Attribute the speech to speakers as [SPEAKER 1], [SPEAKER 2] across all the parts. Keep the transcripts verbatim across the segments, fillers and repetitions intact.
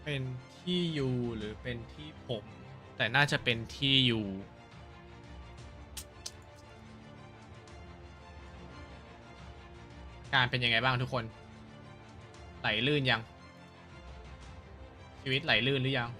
[SPEAKER 1] เป็นที่ยูหรือเป็นที่ผม แต่น่าจะเป็นที่ยูการเป็นยังไงบ้างทุกคนไหลลื่นยังชีวิตไหลลื่นหรือยัง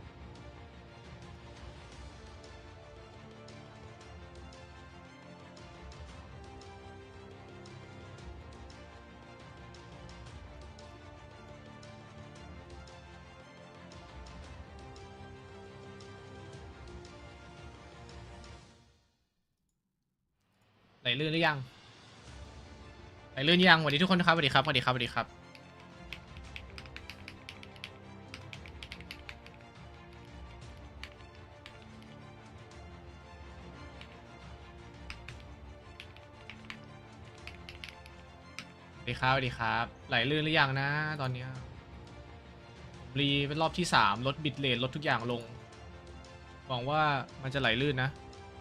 [SPEAKER 1] ไหลลื่นหรือยังไหลลื่นยังสวัสดีทุกคนนะครับสวัสดีครับสวัสดีครับสวัสดีครับสวัสดีครับสวัสดีครับไหลลื่นหรือยังนะตอนเนี้ยรีเป็นรอบที่สามลดบิตเรทลดทุกอย่างลงหวังว่ามันจะไหลลื่นนะ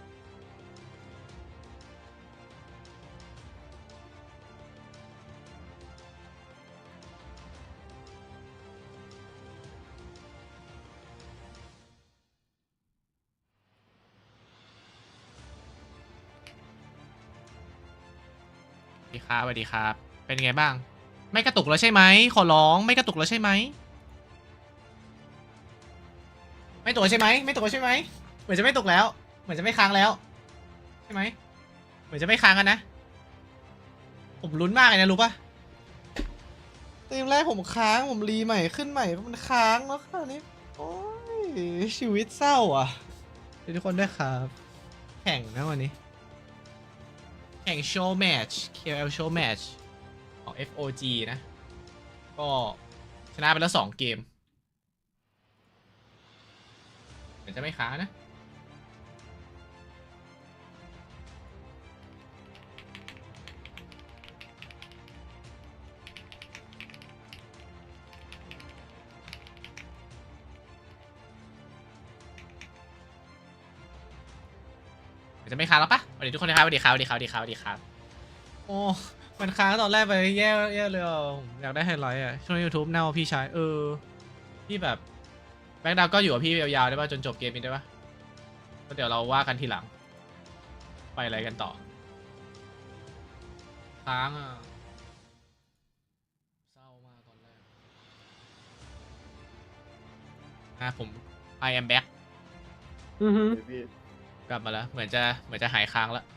[SPEAKER 1] สวัสดีครับสวัสดีครับเป็นไงบ้างไม่กระตุกแล้วใช่ไหมขอร้องไม่กระตุกแล้วใช่ไหมไม่ตกใช่ไหมไม่ตกใช่ไหมเหมือนจะไม่ตกแล้วเหมือนจะไม่ค้างแล้วใช่ไหมเหมือนจะไม่ค้างกันนะผมลุ้นมากเลยนะรู้ปะเต็มแรกผมค้างผมรีใหม่ขึ้นใหม่มันค้างแล้วค่ะนี่โอ้ยชีวิตเศร้าอ่ะทุกคนด้วยครับแข่งนะวันนี้แข่งโชว์แมตช์ เค แอล โชว์แมตช์ของ เอฟ โอ จี นะก็ชนะไปแล้วสองเกมเหมือนจะไม่ค้างนะเหมือนจะไม่ค้างแล้วปะสวัสดีทุกคนนะครับสวัสดีครับสวัสดีครับสวัสดีครับสวัสดีครับโอ้มันค้างตอนแรกไปแย่แย่เลยอ่ะผมอยากได้ไฮไลท์อ่ะช่วง YouTube เน่าพี่ชายเออพี่แบบแบ็คดาวก็อยู่กับพี่ยาวๆได้ป่ะจนจบเกมนี้ได้ป่ะก็เดี๋ยวเราว่ากันทีหลังไปอะไรกันต่อค้างอ่ะเศร้ามากตอนแรกอ่ะผม I am back
[SPEAKER 2] อือฮึ
[SPEAKER 3] พี่
[SPEAKER 1] กลับมาแล้วเหมือนจะเหมือนจะหายค้างแล้ว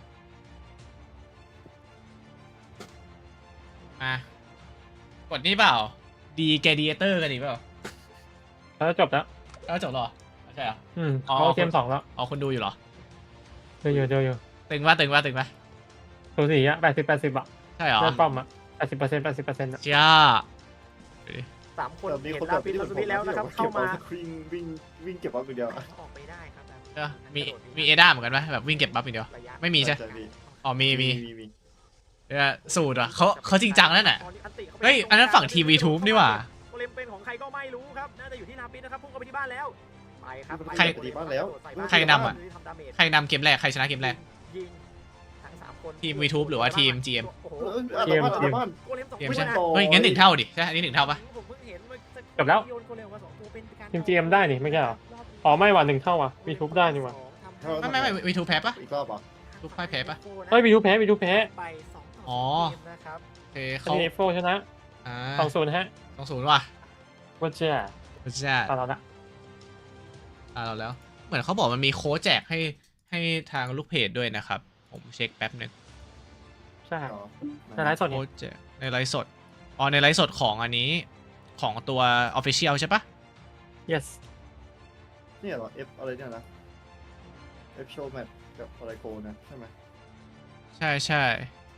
[SPEAKER 1] มากดนี่เปล่าดีแกดีเตอร์กันอีกเปล่า
[SPEAKER 2] แล้วจบแล้ว
[SPEAKER 1] แล้วจบหรอใช่เหรอ
[SPEAKER 2] อืม
[SPEAKER 1] อ๋อ
[SPEAKER 2] เขาเกมสองแล้ว
[SPEAKER 1] อ๋อคุณดูอยู่เหรอ
[SPEAKER 2] เจออยู่เจออยู่
[SPEAKER 1] ตึงป่ะตึงป่ะตึงป่ะ
[SPEAKER 2] สูสีอ่ะแปดสิบแปดสิบอ่ะ
[SPEAKER 1] ใช่เหรอ
[SPEAKER 2] ได้ป้อมอ่ะแปดสิบเปอร์เซ็นต์แปดสิบเปอร์เซ็นต์อ่ะ
[SPEAKER 1] เจ้า
[SPEAKER 4] สามคน
[SPEAKER 3] แต่มี
[SPEAKER 4] เห็
[SPEAKER 3] คน
[SPEAKER 4] น
[SPEAKER 3] แบ
[SPEAKER 4] ลา
[SPEAKER 3] บ
[SPEAKER 4] ปิ
[SPEAKER 3] ที่
[SPEAKER 4] ด
[SPEAKER 3] ผม
[SPEAKER 4] พี่แล้วนะครับเข้ามา
[SPEAKER 3] วิ่งวิ่งวิ่งเก็บบัฟอย่างเดียว
[SPEAKER 4] ออกไปได้ครับ
[SPEAKER 1] เออมีมีเอด้าเหมือนกันไหมแบบวิ่งเก็บบัฟอย่างเดียว
[SPEAKER 4] ระยะ
[SPEAKER 1] ไม่มีใช่
[SPEAKER 3] ใช่พี่
[SPEAKER 1] อ๋อมีมี
[SPEAKER 3] มีมี
[SPEAKER 1] เออสูตรอ่ะเขาเขาจริงจังนั่นน่ะเฮ้ยอันนั้นฝั่งทีวีทูบนี่หว่า
[SPEAKER 4] โกเลมเป็นของใครก็ไม่รู้ครับน่าจะอยู่ที่นาปิดนะครับพุ่งเข้าไปที่บ้านแล้วไปครับ
[SPEAKER 1] ใคร
[SPEAKER 3] ดีบ้านแล้ว
[SPEAKER 1] ใครนำอะ ใครนำเกมแรกใครชนะเกมแรก
[SPEAKER 4] ยิงทั้งสามคน
[SPEAKER 1] ทีม YouTube หรือว่าทีม จี เอ็ม
[SPEAKER 4] โอ้โห
[SPEAKER 3] เออเออบ้านบ้าน
[SPEAKER 4] โกเลมสอง
[SPEAKER 1] เกม
[SPEAKER 4] คน
[SPEAKER 1] ใช่
[SPEAKER 4] นะ
[SPEAKER 1] เฮ้ยงั้นหนึ่งเท่าดิใช่อันนี้หนึ่งเท่าปะ
[SPEAKER 4] ผมเพิ่งเห็นว่า
[SPEAKER 2] จบแล้ว
[SPEAKER 4] โยนโกเลมมาสองตัวเป็นการ
[SPEAKER 2] ทีม จี เอ็ม ได้นี่ไม่ใช่เหรออ๋อไม่ว่ะหนึ่งเท่าว่ะมีทุบได้นี่ว่ะ
[SPEAKER 1] ไม่ไม่ไม่วีทูแพ้ปะ
[SPEAKER 3] อีกรอบอ่ะ
[SPEAKER 1] ลูกไพ่แพ้ปะ
[SPEAKER 2] เฮ้ยมีทุบแพ้มีทุบแพ้
[SPEAKER 4] ไปสองต่อ
[SPEAKER 1] อ๋อ
[SPEAKER 4] เกมนะครับ
[SPEAKER 1] โอเค
[SPEAKER 2] ค
[SPEAKER 1] เขา
[SPEAKER 2] ดีเอฟโฟชนะ
[SPEAKER 1] อ่า
[SPEAKER 2] สองศูนย์ฮะ
[SPEAKER 1] สองศูนย์ว่ะ
[SPEAKER 2] ว่าเจ้า
[SPEAKER 1] ใช่
[SPEAKER 2] ตอนเราละ
[SPEAKER 1] ตาเราแล้ว เหมือนเขาบอกมันมีโค้ดแจกให้ให้ทางลูกเพจด้วยนะครับ ผมเช็คแป๊บนึง
[SPEAKER 2] ใช่
[SPEAKER 3] อ๋อ
[SPEAKER 2] ในไลฟ์สด
[SPEAKER 1] โค้
[SPEAKER 2] นี่
[SPEAKER 1] ดแจกในไลฟ์สดอ๋อในไลฟ์สดของอันนี้ของตัว Official ใช่ปะ
[SPEAKER 2] yes
[SPEAKER 3] เนี่ยเหรอ F อะไรเนี่ยนะ F show match กับอะไรโกนะใช่ไหม
[SPEAKER 1] ใช่ใช่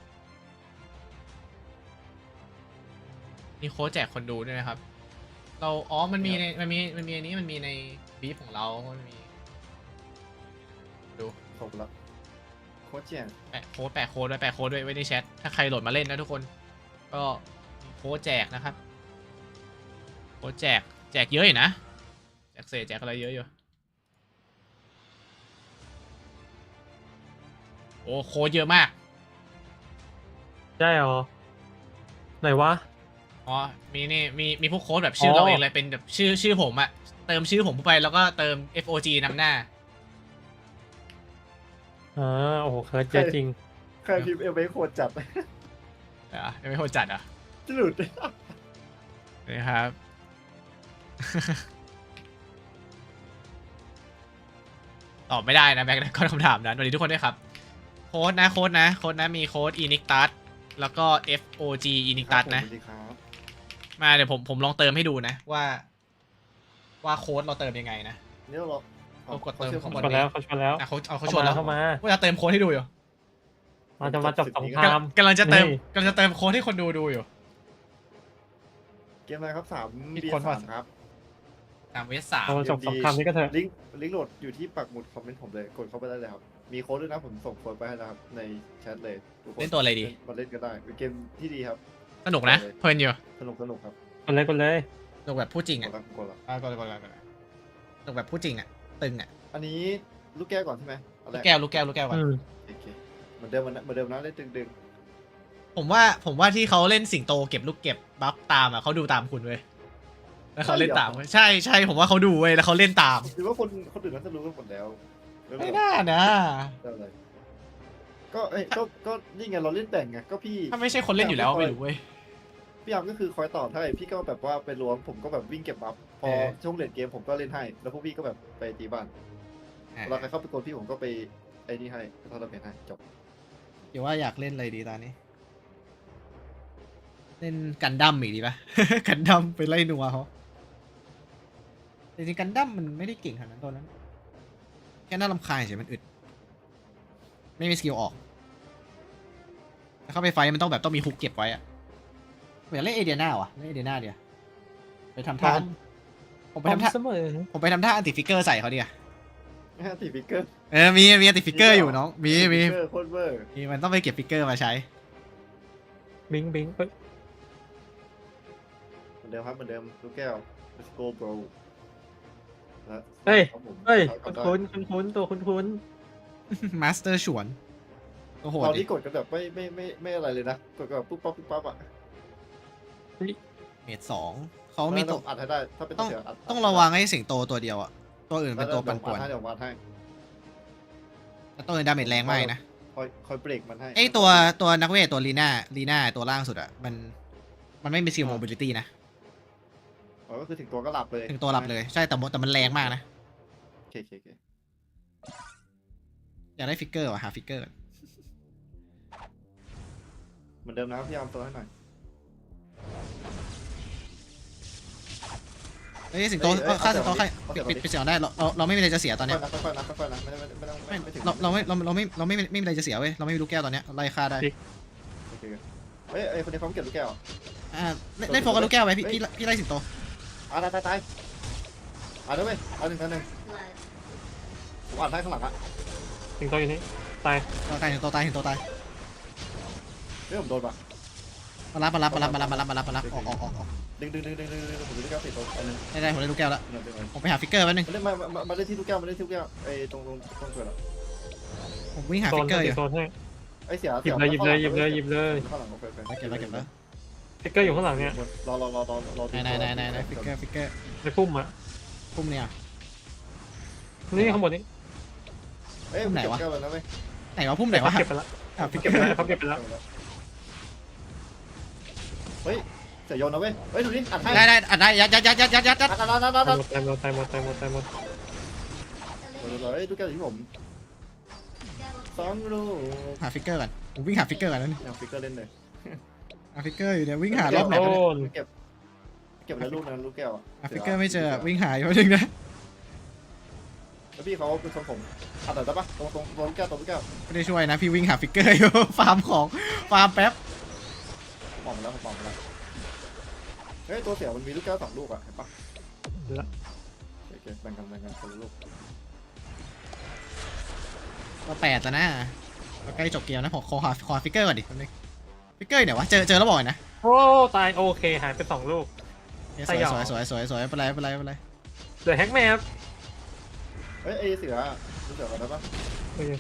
[SPEAKER 1] มีโค้ดแจกคนดูด้วยนะครับ เราอ๋อมันมีในมันมีมันมีอันนี้มันมีในบีฟของเรามันมีดู
[SPEAKER 3] ครบแล้วโคชเจียน
[SPEAKER 1] แปะโค้ดแปะโค้ดไว้แปะโค้ดไว้ไว้ในแชทถ้าใครโหลดมาเล่นนะทุกคน ก็มีโค้ดแจกนะครับโค้ดแจกแจกเยอะอยู่นะแจกเศษแจกอะไรเยอะอยู่โอ้โค้ดเยอะมาก
[SPEAKER 2] ใช่เหรอไหนวะ
[SPEAKER 1] อ๋อมีนี่มีมีพวกโค้ดแบบชื่อเราเองเลยเป็นแบบชื่อชื่อผมอะเติมชื่อผมเข้าไปแล้วก็เติม เอฟ โอ จี นำหน้า
[SPEAKER 2] อ่าโอ้โหเคิร์ดเยอะจริง
[SPEAKER 3] ใครพิมพ์เอลเวโคตรจัด
[SPEAKER 1] เดี๋ยวยังไม่โหดจัดอ่ะ
[SPEAKER 3] หลุด
[SPEAKER 1] นี่ครับ ตอบไม่ได้นะแม็กนะก็คำถามนั้นสวัสดีทุกคนด้วยครับ โค้ดนะโค้ดนะโค้ดนะมีโค้ด Inictus แล้วก็ เอฟ โอ จี Inictus นะ
[SPEAKER 3] สวัสดีครับ
[SPEAKER 1] มาเดี๋ยวผมผมลองเติมให้ดูนะว่า ว่าโค้ดเราเติมยังไงนะ
[SPEAKER 3] นี่เรา
[SPEAKER 1] เอากดเติมข้างบ
[SPEAKER 2] ชวนแล้วเขาชวนแล้ว
[SPEAKER 1] อ่ะเขาเอาเขาช
[SPEAKER 2] เข้า
[SPEAKER 1] วน
[SPEAKER 2] มา
[SPEAKER 1] แล้ว
[SPEAKER 2] เข้ามา
[SPEAKER 1] ว่าจะเติมโค้ดให้ดูอยู่
[SPEAKER 2] เราจะมาจบสงคราม
[SPEAKER 1] กำลังจะเติม
[SPEAKER 2] นี่
[SPEAKER 1] กำลังจะเติมโค้ดให้คนดูดูอยู่
[SPEAKER 3] เกมอะไรครับสาม
[SPEAKER 1] ผิด
[SPEAKER 3] เบีย
[SPEAKER 1] คน
[SPEAKER 3] ร์
[SPEAKER 1] ป่ะ
[SPEAKER 3] สามครับ
[SPEAKER 1] ตามเวสสาม
[SPEAKER 2] เรามาจบสงครามนี้ก็เถอะ
[SPEAKER 3] ลิงก์ลิงก์โหลดอยู่ที่ปักหมุดคอมเมนต์ผมเลยกดเข้าไปได้เลยครับมีโค้ดด้วยนะผมส่งโค้ดไปให้แล้วครับในแชทเลยทุกคน
[SPEAKER 1] เล่นตัวอะไรดี
[SPEAKER 3] มาเล่นกันได้เป็นเกมที่ดีครับ
[SPEAKER 1] สนุกนะเพลินอยู่
[SPEAKER 3] สนุกสนุกครับ
[SPEAKER 2] กดเลยกดเลย
[SPEAKER 1] สนุกแบบพูดจริง
[SPEAKER 3] ก
[SPEAKER 1] อ่ะ
[SPEAKER 3] ดละกดละ
[SPEAKER 1] อ่ะกดเลยกดเลยกดเลยสนุกแบบพูดจริงอ่ะตึงอ่ะ
[SPEAKER 3] อันนี้ลูกแก้วก่อนใช่ไหมอัน
[SPEAKER 1] ลู
[SPEAKER 3] ร
[SPEAKER 1] กแก้วลูกแก้วลูกแก้วก่อน
[SPEAKER 2] อืม
[SPEAKER 3] โอเคเหมือนเดิมเหมือนเดิมนะเล่นดึง
[SPEAKER 1] ผมว่าผมว่าที่เขาเล่นสิงโตเก็บลูกเก็บบัฟตามอ่ะเขาดูตามคุณเว้ยแล้วเขาเล่นตามเว้ยใช่ใช่ผมว่าเขาดูเว้ยแล้วเขาเล่นตาม
[SPEAKER 3] ๆหรือว่าคนคนอื่นน่าจะรู้กันหมดแล้วหรือเป
[SPEAKER 1] ไม่
[SPEAKER 3] ล่า
[SPEAKER 1] น่านะ
[SPEAKER 3] ได้เลยก็เอ้ยก็ก็นี่ไงเราเล่นแบ่งไงก็พี่
[SPEAKER 1] ถ้าไม่ใช่คนเล่นอยู่แล้วไม่รู้เว้ย
[SPEAKER 3] พี่อาร์มก็คือคอยตอบให้พี่ก็แบบว่าไปรวมผมก็แบบวิ่งเก็บบัฟพอ
[SPEAKER 1] เออ
[SPEAKER 3] ช่วงเล่นเกมผมก็เล่นให้ แล้วพวกพี่ก็แบบไปตีบ้านเวลาใครเข้าไปกดพี่ผมก็ไปไอ้นี่ให้ทอร์นาเมนต์ให้จบ
[SPEAKER 1] เดี๋ยวว่าอยากเล่นอะไรดีตอนนี้ เล่นกันดั้มอีกดีป่ะ กันดั้มไปไล่นัวเขาแต่จริงๆกันดั้มมันไม่ได้เก่งขนาดนั้นตัวนั้น แค่น่ารำคาญเฉยมันอึด ไม่มีสกิลออกแต่เข้าไปไฟท์มันต้องแบบต้องมีฮุกเก็บไว้อะเหมือนเล่นเอเดียนาว่ะเล่นเอเดียนาเดียวไปทำ
[SPEAKER 2] พร้
[SPEAKER 1] ท่า
[SPEAKER 2] อม
[SPEAKER 1] ผม
[SPEAKER 2] พ
[SPEAKER 1] ไป
[SPEAKER 2] ร้อม
[SPEAKER 1] ทำท่า
[SPEAKER 2] เสมอ
[SPEAKER 1] ผมไปทำท่าอันติฟิกเกอร์ใส่เขาดีอะ
[SPEAKER 3] ห้าตีฟิกเกอร์
[SPEAKER 1] เออมีมีอันติฟิกเกอร์อยู่น้องมีมี
[SPEAKER 3] ฟิกเกอร์โคตรเวอร์
[SPEAKER 1] มีมันต้องไปเก็บฟิกเกอร์มาใช้
[SPEAKER 2] บิงบิงเอ้ย
[SPEAKER 3] เหมือนเดิมครับเหมือนเดิมลูกแก้ว let's go bro และ
[SPEAKER 2] เฮ้ย
[SPEAKER 3] ครับผม
[SPEAKER 2] เฮ้ย
[SPEAKER 3] เอา
[SPEAKER 2] คุ้น
[SPEAKER 3] ได้
[SPEAKER 2] คุ้นคุ้นคุ้นตัวคุ้นคุ้น
[SPEAKER 1] มาสเตอร์ฉวนโอ้โห
[SPEAKER 3] ตอน
[SPEAKER 1] ดิ
[SPEAKER 3] นี้กดกันแบบไม่ไม่ไม่ไม่อะไรเลยนะกดกันแบบปุ๊บปั๊บปุ๊บปั๊บอ่ะ
[SPEAKER 1] เมดสองเขามีตัว
[SPEAKER 3] ต้องอัดให้ได้ถ้าเป็น
[SPEAKER 1] ต้อง
[SPEAKER 3] เสืออัด
[SPEAKER 1] ต้องระวังให้สิงโตตัวเดียวอะตัวอื่นเป็นตัวปั่นป่วน
[SPEAKER 3] เดี๋ยววัดให้
[SPEAKER 1] แล้วตัวอื่นดาเมจแรงมากนะ
[SPEAKER 3] คอยคอยเบรกมันให้
[SPEAKER 1] ไอตัวตัวนักเวทตัวลีน่าลีน่าตัวล่างสุดอะมันมันไม่มีสกิลโมบิลิตี้นะ
[SPEAKER 3] อ๋อก็คือถึงตัวก็หลับเลย
[SPEAKER 1] ถึงตัวหลับเลยใช่แต่มแต่มันแรงมากนะ
[SPEAKER 3] โอเคโอเคโอเค
[SPEAKER 1] อยากได้ฟิกเกอร์ว่ะหาฟิกเกอร์ก่อน
[SPEAKER 3] เหมือนเดิมนะครับพี่อาร์มตัวให้หน่อย
[SPEAKER 1] เฮ้ยสิงโตเออฆ่าสิงโตฆ่าปิดปิดปิดเสียงได้เราเราเราไม่มีอะไรจะเสียตอนเนี้ย
[SPEAKER 3] ค่อยๆนะค่อยๆนะค่อยๆนะไม่ได้ไม่ต้องไม่ไม่ถึง
[SPEAKER 1] เราเราไม่เราเราไม่เราไม่ไม่มีอะไรจะเสียเว้ยเราไม่มีลูกแก้วตอนเนี้ยไล่ฆ่าได้
[SPEAKER 3] โอเคเฮ้ยไอ้คนนี้เขาเก็บลูกแก้ว
[SPEAKER 1] อ่าเล่นเล่นโฟกัสลูกแก้วไว้พี่พี่พี่ไล่สิงโต
[SPEAKER 3] อ่ะตายตายตายอ่ะด้วยเว้ยอ่ะหนึ่งต่อหนึ่งผมอ่านให้ข้างหลังอ่ะ
[SPEAKER 2] สิงโตอยู่นี่ตาย
[SPEAKER 1] ตายสิงโตตายสิงโตตาย
[SPEAKER 3] เฮ้ยผมโดนป่ะ
[SPEAKER 1] มารับมารับมารับมารับมารับมารับมารับออกออกออกออก
[SPEAKER 3] ดึงดึงดึงดึงดึงดึงผมดูลูกแก้วติดตัวอันนึง
[SPEAKER 1] ได้ได้ผมได้ลูกแก้วแล้ว
[SPEAKER 3] หนึ่งหนึ่ง
[SPEAKER 1] ผมไปหาฟิกเกอร์แป๊บนึง
[SPEAKER 3] มาเล่นมามามาเล่นที่ลูกแก้วมาเล่นที่ลูกแก้วไอ้ตรงตรงตรงเกิดอ่ะ
[SPEAKER 1] ผมวิ่งหา
[SPEAKER 2] โซ
[SPEAKER 1] ฟิ
[SPEAKER 2] น
[SPEAKER 1] กเกอร์อยู่
[SPEAKER 2] โซนให้
[SPEAKER 3] ไอ้เสีย
[SPEAKER 2] หยิบเลยหยิบเลยหยิบเลยหยิบเลย
[SPEAKER 3] ข้างหลังโอเคโอเค
[SPEAKER 1] เก็บแล้วเก็บแล้ว
[SPEAKER 2] ฟิกเกอร์อยู่ข้างหลังเนี่ย
[SPEAKER 3] รอรอรอรอรอ
[SPEAKER 1] ไหนไหนไหนไหนไหนฟิกเกอร์ฟิกเกอร์
[SPEAKER 2] ในพุ่มอ่ะ
[SPEAKER 1] พุ่มเนี่ย
[SPEAKER 2] นี่ข้างบนนี้
[SPEAKER 3] เอ้ย
[SPEAKER 1] ไหนวะ
[SPEAKER 3] เก็บแก้วแล้วนะเว้ย
[SPEAKER 1] ไหนวะพุ่มไหนวะ
[SPEAKER 2] เขาเก็บไปละ
[SPEAKER 1] อ่ะฟิกเก
[SPEAKER 2] เก็
[SPEAKER 1] อบ
[SPEAKER 2] ไป
[SPEAKER 1] ร์
[SPEAKER 2] แล้วเขาเก็บไปแล้ว
[SPEAKER 3] เฮ้ยเสียโยนนะเว้ยเฮ้ยดูดิอัดให้
[SPEAKER 1] ได้ได้อัดได้ยัดยัดยัดยัดยัดยัดยัด
[SPEAKER 3] อัดอัดอัดอัดอัด
[SPEAKER 2] ตายหมดตายหมดตายหมดตายหมด
[SPEAKER 3] เฮ้ยลูกแก้วอยู่ที่ผมสองลูก
[SPEAKER 1] หาฟิกเกอร์ก่อนผมวิ่งหาฟิกเกอร์ก่อนนั่น
[SPEAKER 3] ยังฟิกเกอร์เล่นเลย
[SPEAKER 1] หาฟิกเกอร์อยู่เนี่ยวิ่งหารอบไหน
[SPEAKER 2] โด
[SPEAKER 1] วะเนี่ย
[SPEAKER 2] น
[SPEAKER 3] เก็บเก็บแล้วลูกนั้นลูกแก้วอ่ะ
[SPEAKER 1] หาฟิกเกอร์ไม่เจอวิ่งหาอยู่แป๊บนึงนะ
[SPEAKER 3] แล้วพี่เขาเป็นทรงผมอัดได้ปะตรงตรงตรงลูกแก้วตรงลูกแก้ว
[SPEAKER 1] ไม่ได้ช่วยนะพี่วิ่งหาฟิกเกอร์อยู่ ฟาร์มของฟาร์มแป๊บ
[SPEAKER 3] มองมาแล้วผมมองมาแล้วเฮ้ยตัวเสียมันมีลูกแก้วสองลูกอ่ะเห็นปะ
[SPEAKER 2] ละ
[SPEAKER 3] โอเคแบ่งกันแบ่งกันคนละลูก
[SPEAKER 1] ก็แปดแล้วนะก็ใกล้จบเกมนะผมขอหาขอฟิกเกอร์ก่อนดิแป๊บนึงฟิกเกอร์อยู่ไหนวะเจอเจอแล้วบอกหน่อยนะ
[SPEAKER 2] โอ้ตายโอเคหายไปสองลูก
[SPEAKER 1] สวยสวยสวยสวยสวยไม่เป็นไรไม่เป็นไรไม่เป็นไร
[SPEAKER 2] เหลือแฮกแมป
[SPEAKER 3] เฮ้ยไอเสือลูกเสือกันได้ปะ
[SPEAKER 2] โอเค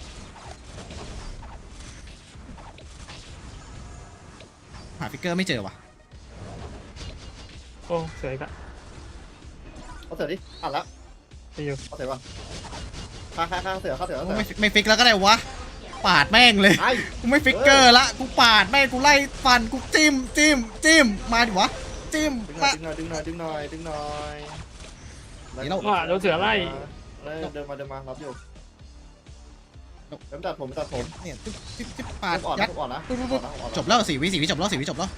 [SPEAKER 1] หาฟิกเกอร์ไม่เจอว่ะ
[SPEAKER 2] โอ้สวยกะ
[SPEAKER 3] เอาเสือดิอ่านแล้ว
[SPEAKER 2] ไปอยู่
[SPEAKER 3] เอาเสือก่อนข้างข้างข้างเสือข้างเสือข้างเสือ
[SPEAKER 1] ไม่ไม่ฟิกแล้วก็ได้วะปาดแม่งเลย
[SPEAKER 3] ไอ้
[SPEAKER 1] กูไม่ฟิกเกอร์ละกูปาดแม่งกูไล่ฟันกูจิ้มจิ้มจิ้มมาดิวะจิ้ม
[SPEAKER 3] ดึงหน่
[SPEAKER 1] มา
[SPEAKER 3] อยดึงหน่อยดึงหน่อยดึงหน่อยดึงหน่อย
[SPEAKER 2] ว่าโดนเสือไล่
[SPEAKER 3] เดินมาเดินมารับอยู่เดินตัดผมตัดผม
[SPEAKER 1] เนี่ยจิ๊บจิ๊บจิ๊บปาด
[SPEAKER 3] อ่อน
[SPEAKER 1] ยั
[SPEAKER 3] นะ
[SPEAKER 1] ด
[SPEAKER 3] อ่อนนะ
[SPEAKER 1] ปุ๊บปุ๊บจบแล้วสี่วิสี่วิจบแล้วสี่วิจบแล้ว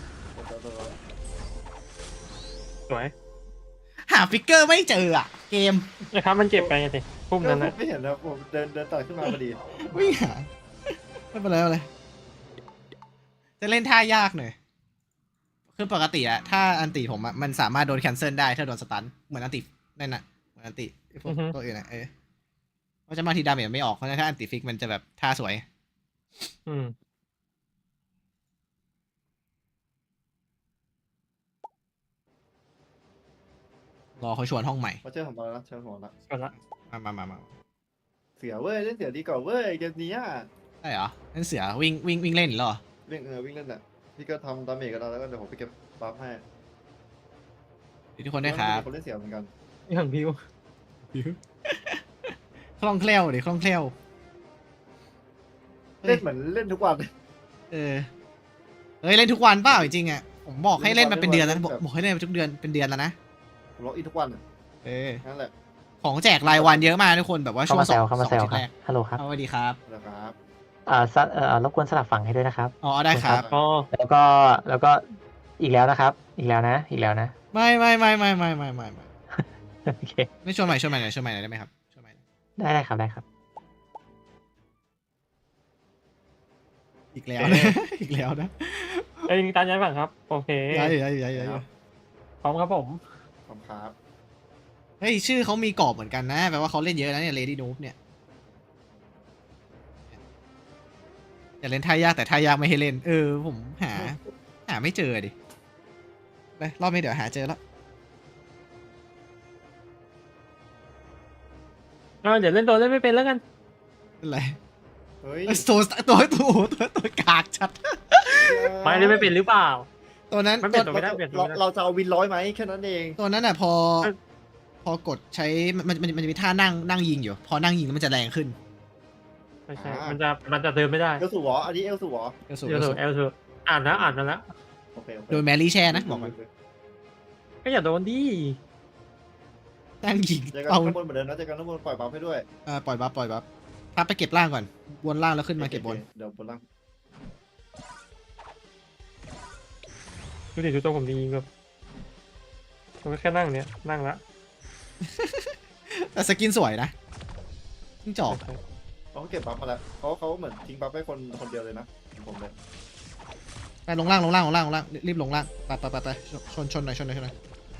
[SPEAKER 2] สวย
[SPEAKER 1] หาฟิกเกอร์ไม่เจออะเกม
[SPEAKER 2] นะครับมันเจ็บไปไงสิพุ่มนั้นนะ
[SPEAKER 3] ไม่เห็นนะผมเดินเดินตัดขึ้นมาพอดี
[SPEAKER 1] วิ่งหาไม่เป็นไรไม่เป็นไรจะเล่นท่ายากหน่อยคือปกติอะถ้าอันติผมอะมันสามารถโดนแคนเซิลได้ถ้าโดนสตันเหมือนอันตินั่นน่ะเหมือนอันติพวกตัวอื่นอะเออเพราะจะมาทีดาเมจไม่ออกเพราะฉะนั้นถ้าอันติฟิกมันจะแบบท่าสวย
[SPEAKER 2] อืม
[SPEAKER 1] รอเขาชวนห้องใหม่
[SPEAKER 3] มาเชิญผมมาแล้วเชิญผมแล้ว
[SPEAKER 2] ก่อนละ
[SPEAKER 1] มามามามา
[SPEAKER 3] เสือเว้ยเล่นเสือดีกว่าเว้ยเกมนี้อ่ะ
[SPEAKER 1] ได้เหรอนั่นเสือวิ่งวิ่งวิ่งเล่นเหรอ
[SPEAKER 3] วิ่งเออวิ่งเล่นอ่ะพี่ก็ทำดาเมจกันแล้วแล้วก็เดี๋ยวผมไปเก็บบัฟให้
[SPEAKER 1] ทุกคนได้วยครับ
[SPEAKER 3] คนเล่นเสือเหมือนกัน
[SPEAKER 2] อย่างพิว
[SPEAKER 1] คล่องแคล่วดิคล่องแคล่ว
[SPEAKER 3] เล่นเหมือนเล่นทุกวัน
[SPEAKER 1] เออเฮ้ยเล่นทุกวันเปล่าจริงๆอ่ะผมบอกให้เล่นมาเป็นเดือนแล้วบอกบอกให้เล่นมาทุกเดือนเป็นเดือนแล้วนะ
[SPEAKER 3] ผมล็อกอินทุกวัน
[SPEAKER 1] เออ
[SPEAKER 3] นั่นแหละ
[SPEAKER 1] ของแจกรายวันเยอะมากทุกคนแบบว่า
[SPEAKER 5] เข้า
[SPEAKER 1] ช่วง
[SPEAKER 5] มา
[SPEAKER 1] ส
[SPEAKER 5] แซ
[SPEAKER 1] อง
[SPEAKER 5] วเข้ามา
[SPEAKER 1] สอง
[SPEAKER 5] แซว
[SPEAKER 1] อาทิต
[SPEAKER 5] ค
[SPEAKER 1] ย์
[SPEAKER 5] รับ
[SPEAKER 1] แรก
[SPEAKER 5] ฮัลโหลครับ
[SPEAKER 1] สวัสดีครับ
[SPEAKER 3] นะครับ
[SPEAKER 5] อ่าสเอ่อรบกวนสลับฝั่งให้ด้วยนะครับ
[SPEAKER 1] อ๋อได้ครับ
[SPEAKER 2] อ๋อ
[SPEAKER 5] แล้วก็แล้วก็อีกแล้วนะครับ อีกแล้วนะ อีกแล้วนะ
[SPEAKER 1] ไม่ไม่ไม่ไม่ไม่ไม่ไม่ไม่
[SPEAKER 5] โอเค
[SPEAKER 1] ไม่ชวนใหม่ชวนใหม่หน่อยชวนใหม่หน่อยได้ไหมครับชวนใหม่หน่อย
[SPEAKER 5] ได้ได้ครับได้ครับ
[SPEAKER 1] อีกแล้วนะ อีกแล้วนะ
[SPEAKER 2] ไอ้ยิงตามย้ายฝั่งครับโอเค
[SPEAKER 1] ย้ายอยู่ย้ายอยู่ย้ายอยู่ย้ายอยู่
[SPEAKER 2] พร้อมครับผม
[SPEAKER 3] ขอบคุณครับ
[SPEAKER 1] เฮ้ยชื่อเขามีกรอบเหมือนกันนะแปลว่าเขาเล่นเยอะนะเนี่ย Lady Noob เนี่ยอย่าเล่นท่ายากแต่ท่ายากไม่ให้เล่น เออผมหา หาไม่เจอดิไปรอบนี้เดี๋ยวหาเจอแล้ว
[SPEAKER 2] อ่าเดี๋ยวเล่นตัวเล่นไม่เป็นแล้วกัน
[SPEAKER 1] เป็นไร
[SPEAKER 3] เฮ้ย
[SPEAKER 1] ตัวตัวตัวตัวตัวกากชัด
[SPEAKER 2] ไม่เล่นไม่เป็นหรือเปล่า
[SPEAKER 1] ตัวนั้น
[SPEAKER 2] มัน
[SPEAKER 1] ตั
[SPEAKER 2] เป็
[SPEAKER 1] วน
[SPEAKER 2] ไม่ได้เปลี่ยนตัว
[SPEAKER 3] เรา
[SPEAKER 2] ไม่ได้
[SPEAKER 3] เราจะเอาวินร้อยไหมแค่นั้นเอง
[SPEAKER 1] ตัวนั้นอ่ะพอ
[SPEAKER 2] เอ้ย
[SPEAKER 1] พอกดใช้มันมันมันจะมีท่านั่งนั่งยิงอยู่ พอนั่งยิงแล้วมันจะแรงขึ้น
[SPEAKER 2] ไม่ใช่มันจะมันจะเดินไม่ได้
[SPEAKER 3] เอลสูหรออันนี้เอลสูหรอ
[SPEAKER 1] เอลสู
[SPEAKER 2] เอลสูเอลสูอ่านนะอ่านมาแล้ว
[SPEAKER 3] โอเคโอเค
[SPEAKER 1] โดยแมรี่แช่นะบอกมัน
[SPEAKER 2] ก็อย่าโดนดิ
[SPEAKER 1] นั่งยิง
[SPEAKER 3] เจอกัน
[SPEAKER 1] เอา
[SPEAKER 3] ข้างบนเหมือนเดิมนะเจอกันข้างบนปล่อยบัฟให้ด้วย
[SPEAKER 1] เออปล่อยบัฟปล่อยบัฟพับไปเก็บล่างก่อนวนล่างแล้วขึ้นมาเก็บบน
[SPEAKER 3] เดี๋ยวบนล่าง
[SPEAKER 2] ดูดิดูตัวผมดีแบบผมก็แค่นั่งเนี้ยนั่งละ
[SPEAKER 1] แต่สกินสวยนะจิ้งจอก
[SPEAKER 3] เขาเก็บบัฟมาแล้วเขาเขาเหมือนทิ้งบัฟให้คนคนเดียวเลยนะผมเลย
[SPEAKER 1] ไปลงล่างลงล่างลงล่างลงล่างรีบลงล่างไปไปไปไปชนชนหน่อยชนหน่อยชนหน่อย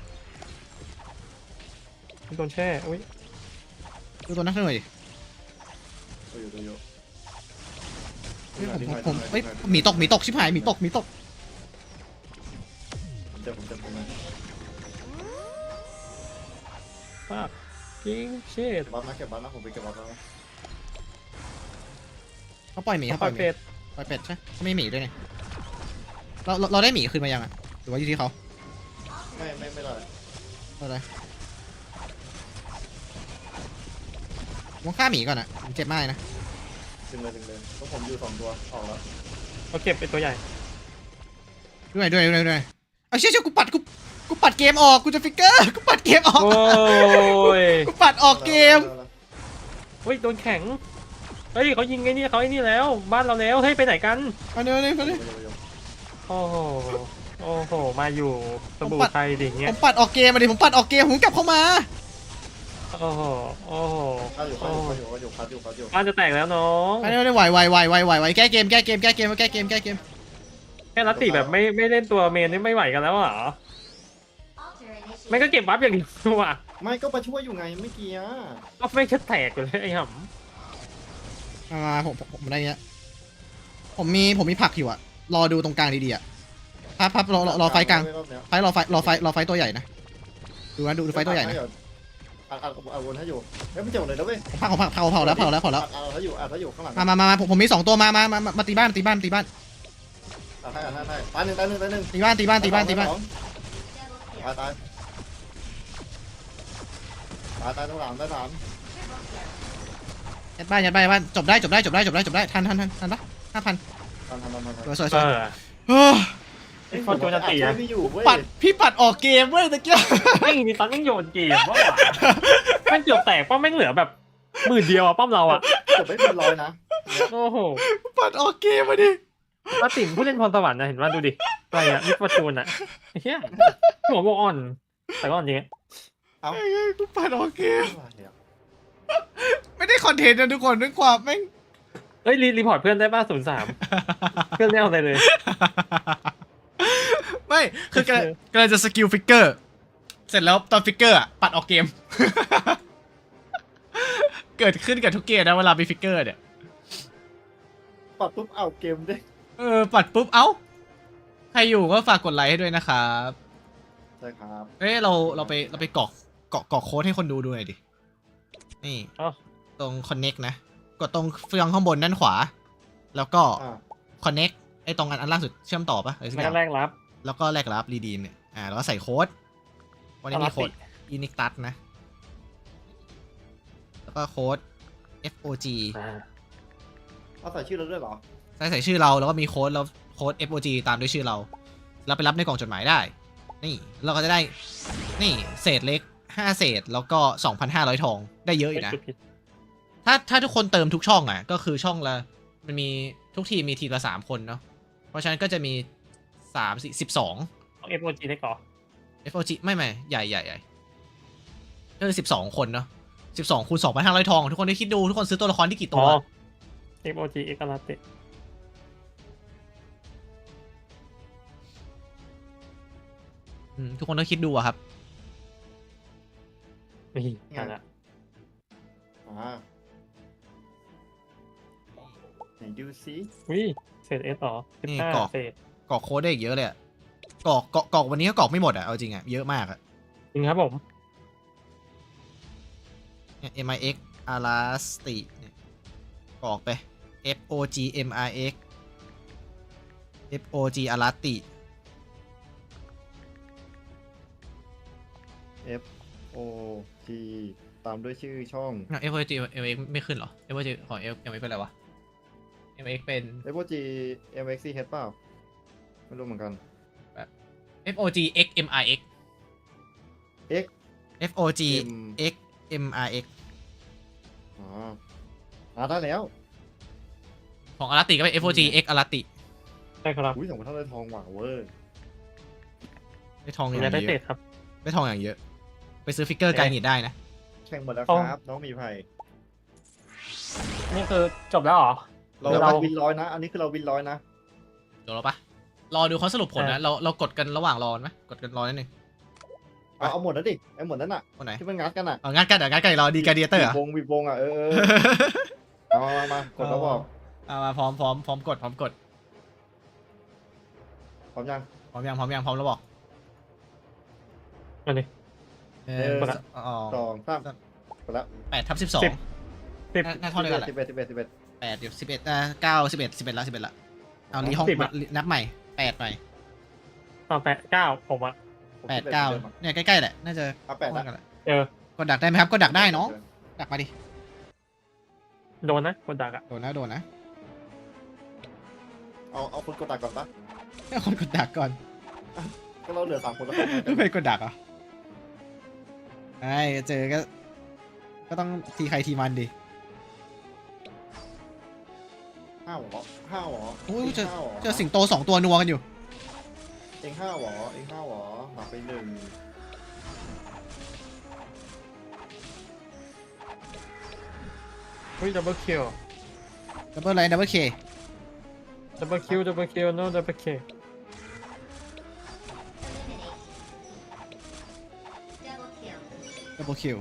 [SPEAKER 2] โดนแช่อุ้ย
[SPEAKER 1] ดูตัวนักหน่อยดิ
[SPEAKER 3] ตัวอยู่ตัวอยู่
[SPEAKER 1] เฮ้ยผมผมผมเฮ้ยหมีตกหมีตกชิบหายหมีตกหมีตก
[SPEAKER 3] ผมเจ็บผมเจ็บผมเลย
[SPEAKER 2] ป้ายิงเช่
[SPEAKER 3] เก็บบัฟนะเก็บบัฟนะผมไปเก็บบัฟแล้วนะ
[SPEAKER 1] เขาปล่อยหมี
[SPEAKER 2] เขา
[SPEAKER 1] เขา
[SPEAKER 2] ป
[SPEAKER 1] ป
[SPEAKER 2] ล่
[SPEAKER 1] ล่
[SPEAKER 2] อ
[SPEAKER 1] อย ยหมี
[SPEAKER 2] เป็ด
[SPEAKER 1] ปล่อยเป็ดใช่เขาไม่หมีด้วยเนี่ยเราเราเราได้หมีคืนมายังอ่ะหรือว่าอยู่ที่เขา
[SPEAKER 3] ไม่ไม่ไม่ได้
[SPEAKER 1] อะไรผมฆ่าหมีก่อนอ่ะผมเจ็บมากเลยนะ
[SPEAKER 3] ดึงเลยดึงเลยเพราะผมอยู่สองตัวออกแล้ว
[SPEAKER 2] เขาเก็บเป็นตัวใหญ่
[SPEAKER 1] ด้วยด้วยด้วยด้วยเอาเชี่ยเชี่ยกูปัดกูกูปัดเกมออกกูจะฟิกเกอร์กูปัดเกมออก
[SPEAKER 2] โอ้ย
[SPEAKER 1] กูปัดออกเกม
[SPEAKER 2] เฮ้ยโดนแข็งเฮ้ยเขายิงไอ้นี่เขาไอ้นี่แล้ว บ้านเราแล้วเฮ้ยไปไหนกัน
[SPEAKER 1] มาเดี๋ยวนี้มาเดี๋ยว
[SPEAKER 2] โอ้โหโอ้โหมาอยู่สบู่ไทยดิเงี้
[SPEAKER 1] ผ
[SPEAKER 2] ย
[SPEAKER 1] มปัดออกเกมมาดิผมปัดออกเกมผมกลับเข้ามา
[SPEAKER 2] โอ้โหโอ้โห
[SPEAKER 3] ข้าอยู่ข้าอยู่ข้าอยู่ข้าอยู่ข้าอยู่
[SPEAKER 2] บ้านจะแตกแล้วน้อง
[SPEAKER 1] มาเดี๋ยวนี้ไหวไหวไหวไหวไหวไหวแก้เกมแก้เกมแก้เกมแก้เกมแก้เกม
[SPEAKER 2] แค่รัตติแบบไม่ไม่เล่นตัวเมนนี่ไม่ไหวกันแล้วเหรอไม่ก็เก็บบัฟอย่างเดียวอ่ะ
[SPEAKER 3] ไม่ก็มาช่วยอยู่ไงไม่เกี่ย
[SPEAKER 2] ก็ไม่แค่แตกอยู่เลยไอ้ห่
[SPEAKER 1] มามาผมผมผมได้เนี้ยผมมีผมมีผักอยู่อะรอดูตรงกลางดีๆอะพับพับรอรอรอไฟกลางไฟรอไฟรอไฟรอไฟตัวใหญ่นะดูนะดูดูไฟตัวใหญ่นะ
[SPEAKER 3] อัดอัดอัดวนให้อยู่เฮ้ยไม่เจ็บเลยนะเว้ย
[SPEAKER 1] ผมพักผมพักเผาเผาแล้วเผาแล้วเผาแล้ว
[SPEAKER 3] อัดอัดให้อยู่อัดให้อยู่ข้างหลัง
[SPEAKER 1] มามามามาผมผมมีสองตัวมามามามามาตีบ้านตีบ้านตีบ้าน
[SPEAKER 3] อัดให้อัดให้ตายหนึ่งตายหนึ่งตายหนึ่ง
[SPEAKER 1] ตีบ้านตีบ้านตีบ้านตีบ้าน
[SPEAKER 3] อ๋ตายตายตายตายตรงหลังตายหลัง
[SPEAKER 1] ยัดบ้านยัดบ้านยัดบ้านจบได้จบได้จบได้จบได้จบได้ทันทันทันทันปะห้าพัน
[SPEAKER 3] ทันทันทันทันทัน
[SPEAKER 1] สวยสวยส
[SPEAKER 2] เอ
[SPEAKER 1] วย
[SPEAKER 2] อ
[SPEAKER 1] เฮ้ย
[SPEAKER 2] ไอ้ฟอร์จูนจะตี
[SPEAKER 3] อ่ะ
[SPEAKER 2] อะ
[SPEAKER 3] ไม่อยู่เว้ย
[SPEAKER 1] ปัดพี่ปัดออกเกมเว้ยตะเกียบ
[SPEAKER 2] ไม่มีตันต้องโยนเกมว่าแม่งเกือบแตกป้อมแม่งเหลือแบบหมื่นเดียวอะป้อมเราอะ
[SPEAKER 3] เกือบไม่เป็นร้อยนะ
[SPEAKER 2] โอ้โห
[SPEAKER 1] ปัดออกเกมมาดิ
[SPEAKER 2] แล้วติ่มผู้เล่นพรสวรรค์นะเห็นว่าดูดิอะไรอะมิสฟอร์จูนอะไอ้เหี้ยหัวโมอ่อนแต่ก็อ่อนจริง
[SPEAKER 1] เอ้ยกูปัดออกเกม
[SPEAKER 3] อะไรอ่ะ
[SPEAKER 1] ไม่ได้คอนเทนต์นะทุกคนด้วยความแม่ง
[SPEAKER 2] เอ้ยรีรีพอร์ตเพื่อนได้ป่ะศูนย์สามเพื่อนไม่เอาอะไรเลย
[SPEAKER 1] ไม่คือกำลังกำลังจะสกิลฟิกเกอร์เสร็จแล้วตอนฟิกเกอร์อะปัดออกเกม เกิดขึ้นกับทุกเกมนะเวลามีฟิกเกอร์เนี่ย
[SPEAKER 3] ปัดปุ๊บเอาเกมเด้ง
[SPEAKER 1] เออปัดปุ๊บเอ้าใครอยู่ก็ฝากกดไลค์ให้ด้วยนะครับ
[SPEAKER 3] ใช่ครับ
[SPEAKER 1] เอ้ยเราเราไปเราไปกรอกกรอกกรอกโค้ดให้คนดูดูหน่อยดินี่
[SPEAKER 2] เอ้า
[SPEAKER 1] ตรง connect นะกดตรงเฟืองข้างบนด้านขวา แล้วก็
[SPEAKER 3] อ่า
[SPEAKER 1] connect ไอ้ตรงอันอันล่างสุดเชื่อมต่อปะอะไรสักอ
[SPEAKER 2] แล้
[SPEAKER 1] ย่าว ง
[SPEAKER 2] แรกรับ
[SPEAKER 1] แล้วก็แลกรับรีดีมเนี่ยอ่าแล้วก็ใส่โค้ดวันนี้มีโค้ด อินิกตัสนะ แล้วก็โค้ด เอฟ โอ จี
[SPEAKER 2] อ่า
[SPEAKER 3] เอาใส่ชื่อเราด้วยเหรอ
[SPEAKER 1] ใส่ใส่ชื่อเราแล้วก็มีโค้ดแล้วโค้ด เอฟ โอ จี ตามด้วยชื่อเราแล้วไปรับในกล่องจดหมายได้ นี่เราก็จะได้นี่เศษเล็กห้าเศษแล้วก็ สองพันห้าร้อย ทองได้เยอะอยู่นะ
[SPEAKER 2] ผิด
[SPEAKER 1] ถ้าถ้าทุกคนเติมทุกช่องอ่ะก็คือช่องละมันมีทุกทีมมีทีมละสามคนเนาะเพราะฉะนั้นก็จะมีสามสี่สิบสอง
[SPEAKER 2] ต้องเอฟโอจีได้ก่อน
[SPEAKER 1] เอฟ โอ จี ไม่ไม่ใหญ่ใหญ่ใหญ่ก็คือสิบสองคนเนาะสิบสองคูณสองพันห้าร้อยทองทุกคนได้คิดดูทุกคนซื้อตัวละครที่กี่
[SPEAKER 2] อ๋
[SPEAKER 1] ตั
[SPEAKER 2] อ
[SPEAKER 1] ว
[SPEAKER 2] เอฟโอจีเอกลาเต
[SPEAKER 1] อืมทุกคนต้องคิดดูอะครับ
[SPEAKER 2] นี่นั่นแหละ
[SPEAKER 3] อ่าไหนดูซิ
[SPEAKER 2] วิเศษเอสต่อสิบ
[SPEAKER 1] นี่
[SPEAKER 2] ห้าก
[SPEAKER 1] รอก
[SPEAKER 2] เศษ
[SPEAKER 1] กรอกโค้ดได้อีกเยอะเลยอะกรอกกรอกกรอกวันนี้ก็กรอกไม่หมดอะเอาจริงอะเยอะมากอะ
[SPEAKER 2] จริงครับผม
[SPEAKER 1] เนี่ย เอ็ม ไอ เอ็กซ์ Elastic เนี่ยกรอกไป เอฟ โอ จี เอ็ม ไอ เอ็กซ์ เอฟ โอ จี Elastic
[SPEAKER 3] เอฟโอจีตามด้วยชื่อช่อง
[SPEAKER 1] เอฟ โอ จี เอ็ม ไอ เอ็กซ์ ไม่ขึ้นเหรอ เอฟ โอ จี ของ F ยังไม่เป็นไรวะ เอ็ม ไอ เอ็กซ์ เป็น
[SPEAKER 3] เอฟโอจีเอ็มเอ็กซีเฮดเปล่าไม่รู้เหมือนกัน
[SPEAKER 1] เอฟ โอ จี เอ็กซ์ เอ็ม ไอ เอ็กซ์
[SPEAKER 3] X
[SPEAKER 1] เอฟ โอ จี
[SPEAKER 3] M
[SPEAKER 1] X เอ็ม ไอ เอ็กซ์
[SPEAKER 3] อ๋ออ่าได้แล้ว
[SPEAKER 1] ของ Elastic ก็เป็น เอฟ โอ จี X Elastic
[SPEAKER 2] ใช่ครับ
[SPEAKER 3] อุ้ยสองพันเท่าไรทองหว่างเวอร์
[SPEAKER 1] ได้ทองอ
[SPEAKER 2] มี
[SPEAKER 1] ย่าง
[SPEAKER 2] ได้
[SPEAKER 1] เย
[SPEAKER 2] เศษ
[SPEAKER 1] อะ
[SPEAKER 2] ครับ
[SPEAKER 1] ได้ทองอย่างเยอะ ไปซื้อฟิกเกอร์ไกลนิดได้นะ
[SPEAKER 3] แข่งหมดแล้ว
[SPEAKER 2] อ๋อ
[SPEAKER 3] ครับ น้องหมีไผ่
[SPEAKER 2] นี่คือจบแล้วเหรอ
[SPEAKER 3] เรา
[SPEAKER 2] เรา
[SPEAKER 3] วินร้อยนะ อันนี้คือเราวินร้อยนะ
[SPEAKER 1] เดี๋ยวเราปะรอดูเขาสรุปผลนะ เราเรากดกันระหว่างรอไหมกดกันรอนิดนึง
[SPEAKER 3] เอาเอาหมดแล้วดิไอ้หมดนั้นอ่ะ
[SPEAKER 1] คนไหน
[SPEAKER 3] ที่มันงัดกันอ่ะ
[SPEAKER 1] เอางั้นกันเดี๋ยวงั้นกันรอดีการเดียเตอร์
[SPEAKER 3] บีบวงบีบวงอ่ะเออเออเอามามากดแล้วบอก
[SPEAKER 1] เอามาพร้อมพร้อมพร้อมกดพร้อมกด
[SPEAKER 3] พร้อมยัง
[SPEAKER 1] พร้อมยังพร้อมยังพร้อมแล้วบอก
[SPEAKER 2] มาดิ
[SPEAKER 1] เอ
[SPEAKER 3] เอ
[SPEAKER 1] อ
[SPEAKER 3] อ
[SPEAKER 1] อ๋อ
[SPEAKER 3] สองสามกดแล้ว
[SPEAKER 1] แปดทับสิบสอง
[SPEAKER 2] สิบ สิบ
[SPEAKER 1] น่าเท่าเดียวกันแหละ
[SPEAKER 3] สิบเอ็ดสิบเอ็ดสิบเอ็ด
[SPEAKER 1] แปดเดี๋ยวสิบเอ็ดอ่าเก้าสิบเอ็ดสิบเอ็ดละสิบเอ็ดละเอารีห้อง
[SPEAKER 2] สิบอะ
[SPEAKER 1] นับใหม่แปดใหม่
[SPEAKER 2] ต่อแปดเก้าผมอะ
[SPEAKER 1] แปดเก้าเนี่ยใกล้ๆแหละน่าจะ
[SPEAKER 3] เอาแปด
[SPEAKER 1] ห้อ
[SPEAKER 3] ละ
[SPEAKER 1] งกันแหละ
[SPEAKER 2] เออก
[SPEAKER 1] ดดักได้ไหมครับกดดักได้เนาะดักมาดิ
[SPEAKER 2] โดนนะคนดักอะ
[SPEAKER 1] โดนนะโดนนะ
[SPEAKER 3] เอาเอาคนกดตักก่อนปะ
[SPEAKER 1] ให้คนกดดักก่อน
[SPEAKER 3] ก็เราเหลือสามคนแล้ว
[SPEAKER 1] ไม่เป็นกดดักเหรอไอ้เจอก็ก็ต้องทีใครทีมันดิ
[SPEAKER 3] ห้าหรอห้าหรอ
[SPEAKER 1] โอ้ยเจอ
[SPEAKER 3] ห้าหรอ
[SPEAKER 1] เจอสิงโตสองตัวนัวกันอยู่
[SPEAKER 3] เองห้าหรอเองห้าหรอหักไปหนึ่ง
[SPEAKER 2] เฮ้ยดับเบิลคิว
[SPEAKER 1] ดับเบิลไลน์ดับเบิลเค
[SPEAKER 2] ดับเบิลคิวดับเบิลคิว no ดับเบิลเค
[SPEAKER 1] ดับเบิลคิว